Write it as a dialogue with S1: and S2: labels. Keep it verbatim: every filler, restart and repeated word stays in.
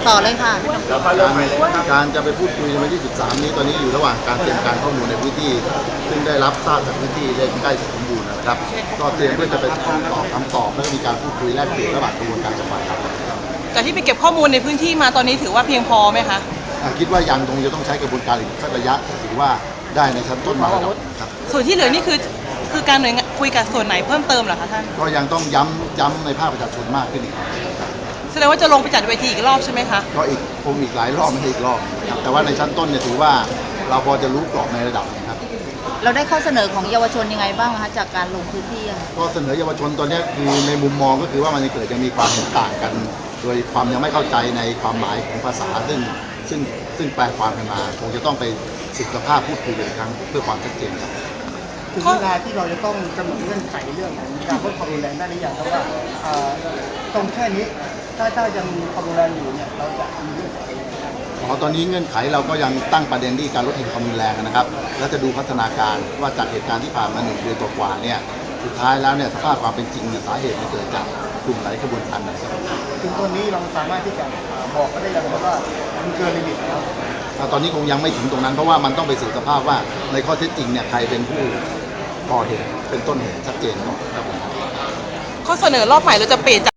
S1: ต่อเลยค่ะ
S2: การการจะไปพูดคุยในวันที่สิบสามนี้ตอนนี้อยู่ระหว่างการเตรียมการข้อมูลในพื้นที่ซึ่งได้รับทราบจากพื้นที่ได้ใกล้สมบูรณ์นะครับก็เตรียมเพื่อจะไปตอบคำตอบแล้วก็มีการพูดคุยแลกเปลี่ยนระหว่างกระบวนการจังหวัดครับ
S3: แต่ที่ไปเก็บข้อมูลในพื้นที่มาตอนนี้ถือว่าเพียงพอไหมคะ
S2: คิดว่ายังคงจะต้องใช้กระบวนการอีกสักระยะถือว่าได้ในชั้นต้นมาแล้วครับ
S3: ส่วนที่เหลือนี่คือคือการหน่วยงานคุยกับส่วนไหนเพิ่มเติมเหรอคะท่าน
S2: ก็ยังต้องย้ำย้ำในภาคประชาชนมากขึ้นอีก
S3: แสดงว่าจะลงไปจัดเวทีอีกรอบใช่ไหมคะ
S2: ก็อีกคงอีกหลายรอบไม่ใช่อีกรอบนะครับแต่ว่าในชั้นต้นเนี่ยถือว่าเราพอจะรู้กรอบในระดับนะครับ
S1: เราได้ข้อเสนอของเยาวชนยังไงบ้างคะจากการลงพื้นที่
S2: ก็เสนอเยาวชนตอนนี้คือในมุมมองก็คือว่ามันจะเกิดยังมีความเห็นต่างกัน โดยความยังไม่เข้าใจในความหมายของภาษาซึ่งซึ่งซึ่งแปลความกันมาคงจะต้องไปศึกษาพูดคุยกันอีกครั้งเพื่อความชัดเจนครับ
S4: ถึงเวลาที่เราจะต้องกำหนดเงื่อนไขเรื่องของการลดความรุนแรงได้หรือยังครับว่าตรงแค่นี้ถ้าถ้ายังมีความรุนแรงอยู่เนี่ยเราจะมีเงื่อนไข
S2: อ๋อตอนนี้เงื่อนไขเราก็ยังตั้งประเด็นที่การลดเหตุความรุนแรงนะครับแล้วจะดูพัฒนาการว่าจากเหตุการณ์ที่ผ่านมาหนึ่งเดือนกว่าเนี่ยสุดท้ายแล้วเนี่ยสภาพความเป็นจริงเนี่ยสาเหตุมันเกิดจากกลุ่มไหนกระบวนการไหน
S4: ถึงตอนนี้เราสามารถที่จะบอกก็ได้ยังว่ามันเกินลิมิตแล้ว
S2: ตอนนี้คงยังไม่ถึงตรงนั้นเพราะว่ามันต้องไปสืบสภาพว่าในข้อเท็จจริงเนี่ยใครเป็นผู้ก่อเหตุเป็นต้นเหตุชัดเจนก่อนครับ
S3: ข้อเสนอรอบใหม่เราจะเปลี่ยน